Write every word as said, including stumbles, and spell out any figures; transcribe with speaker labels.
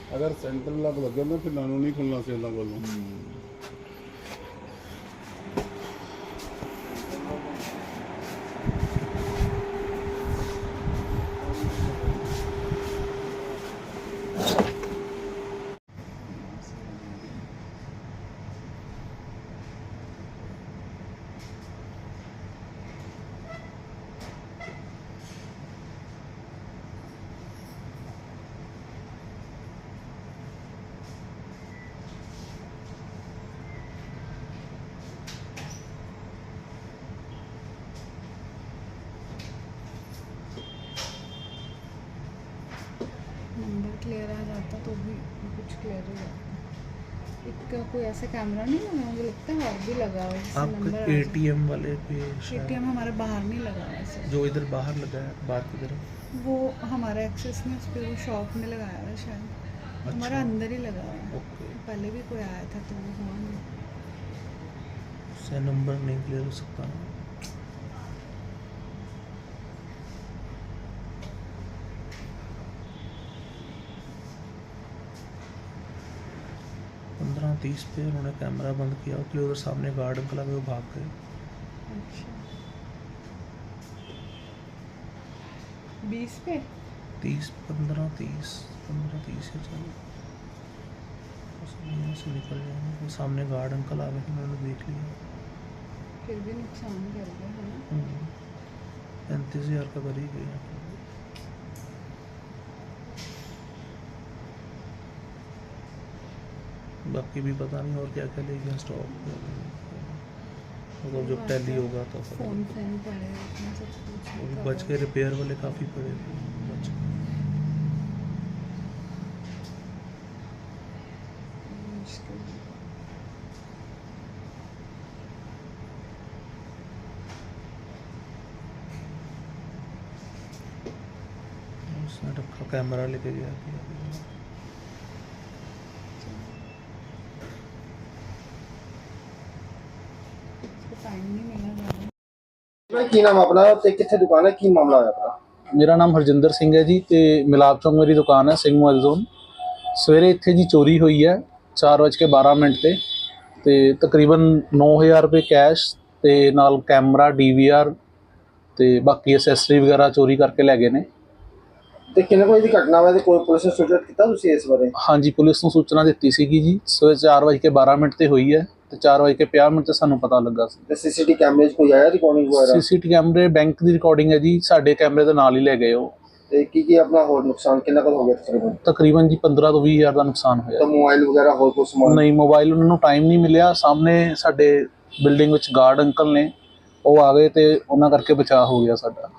Speaker 1: अगर सेंटर लग लगे ना फिर नानू नहीं खुलना से इन्हों कोलों।
Speaker 2: नंबर क्लियर आ जाता तो भी कुछ क्लियर हो जाता। एक कोई ऐसा कैमरा नहीं लगा, मुझे लगता है और भी लगा हुआ है जिससे
Speaker 3: आप
Speaker 2: नंबर
Speaker 3: एटीएम वाले पे शायद
Speaker 2: एटीएम हमारे बाहर नहीं लगा हुआ है सर।
Speaker 3: जो इधर बाहर लगा है बाहर की तरफ।
Speaker 2: वो हमारा एक्सेस में उस पर वो शॉप में लगाया हुआ है शायद।
Speaker 3: अच्छा।
Speaker 2: हमारा अंदर ही लगा हुआ है।
Speaker 3: ओके।
Speaker 2: पहले भी कोई आया था तो वो हुआ नहीं।
Speaker 3: उससे नंबर नहीं क्लियर हो सकता ना। पंद्रह तीस पे उन्होंने कैमरा बंद किया, उसके उधर सामने गार्ड अंकल आए वो भाग गए।
Speaker 2: अच्छा बीस पे
Speaker 3: तीस पंद्रह तीस पंद्रह तीस या चलो यहाँ से निकल जाएंगे। वो सामने गार्ड अंकल आ गए, उन्होंने देख लिया।
Speaker 2: फिर भी नुकसान कर गया है ना।
Speaker 3: पैंतीस हज़ार का कर ही गया। बाकी भी पता नहीं और क्या क्या ले गया स्टॉक। मतलब जब टैली होगा तो
Speaker 2: फोन फोन पड़े इतना सब कुछ
Speaker 3: वो भी
Speaker 2: cover।
Speaker 3: बच के रिपेयर वाले काफ़ी पड़े थे बच के।
Speaker 2: मुश्किल है।
Speaker 3: उसने रखा कैमरा लेके गया कि
Speaker 2: इसको टाइम नहीं मिला ज़्यादा।
Speaker 4: ਕੀ ਨਾਮ ਆਪਣਾ ਤੇ ਕਿੱਥੇ ਦੁਕਾਨ ਹੈ ਕੀ ਮਾਮਲਾ ਹੋਇਆ ਆਪਣਾ?
Speaker 5: ਮੇਰਾ ਨਾਮ ਹਰਜਿੰਦਰ ਸਿੰਘ ਹੈ ਜੀ ਤੇ ਮਿਲਾਪ ਚੌਂਕ ਮੇਰੀ ਦੁਕਾਨ ਹੈ ਸਿੰਘ ਮੋਬਾਈਲ ਜ਼ੋਨ। ਸਵੇਰੇ ਇੱਥੇ ਜੀ ਚੋਰੀ ਹੋਈ ਹੈ ਚਾਰ ਵੱਜ ਕੇ ਬਾਰਾਂ ਮਿੰਟ ਤੇ ਤੇ ਤਕਰੀਬਨ ਨੌ ਹਜ਼ਾਰ ਰੁਪਏ ਕੈਸ਼ ਤੇ ਨਾਲ ਕੈਮਰਾ ਡੀਵੀਆਰ ਤੇ ਬਾਕੀ ਐਕਸੈਸਰੀ ਵਗੈਰਾ ਚੋਰੀ ਕਰਕੇ ਲੈ ਗਏ ਨੇ।
Speaker 4: ਤੇ ਕਿੰਨੇ ਕੋਈ ਦੀ ਘਟਨਾ ਵਾ ਤੇ ਕੋਈ ਪੁਲਿਸ ਨੂੰ ਸੂਚਿਤ ਕੀਤਾ ਤੁਸੀਂ ਇਸ ਬਾਰੇ?
Speaker 5: ਹਾਂਜੀ ਪੁਲਿਸ ਨੂੰ ਸੂਚਨਾ ਦਿੱਤੀ ਸੀਗੀ ਜੀ ਸਵੇਰੇ ਚਾਰ ਵੱਜ ਕੇ ਬਾਰਾਂ ਮਿੰਟ ਤੇ ਹੋਈ ਹੈ ਤੇ ਚਾਰ ਵੱਜ ਕੇ ਪੰਜਾਹ ਮਿੰਟ ਤੇ ਸਾਨੂੰ ਪਤਾ ਲੱਗਾ ਸੀ।
Speaker 4: ਤੇ ਸੀਸੀਟੀ ਕੈਮਰੇ 'ਚ ਕੋਈ ਆਇਆ ਰਿਕਾਰਡਿੰਗ ਵਗੈਰਾ?
Speaker 5: ਸੀਸੀਟੀ ਕੈਮਰੇ ਬੈਂਕ ਦੀ ਰਿਕਾਰਡਿੰਗ ਹੈ ਜੀ, ਸਾਡੇ ਕੈਮਰੇ ਦੇ ਨਾਲ ਹੀ ਲੈ ਗਏ ਉਹ।
Speaker 4: ਤੇ ਕੀ ਕੀ ਆਪਣਾ ਹੋਰ ਨੁਕਸਾਨ ਕਿੰਨਾ ਕੁ ਹੋ ਗਿਆ ਤਕਰੀਬਨ?
Speaker 5: ਤਕਰੀਬਨ ਜੀ ਪੰਦਰਾਂ ਤੋਂ ਵੀਹ ਹਜ਼ਾਰ ਦਾ ਨੁਕਸਾਨ ਹੋਇਆ।
Speaker 4: ਤਾਂ ਮੋਬਾਈਲ ਵਗੈਰਾ ਹੋਰ ਕੋਈ ਸਮਾਨ?
Speaker 5: ਨਹੀਂ ਮੋਬਾਈਲ ਉਹਨਾਂ ਨੂੰ ਟਾਈਮ ਨਹੀਂ ਮਿਲਿਆ, ਸਾਹਮਣੇ ਸਾਡੇ ਬਿਲਡਿੰਗ ਵਿੱਚ ਗਾਰਡ ਅੰਕਲ ਨੇ ਉਹ ਆ ਗਏ ਤੇ ਉਹਨਾਂ ਕਰਕੇ ਬਚਾਅ ਹੋ ਗਿਆ ਸਾਡਾ।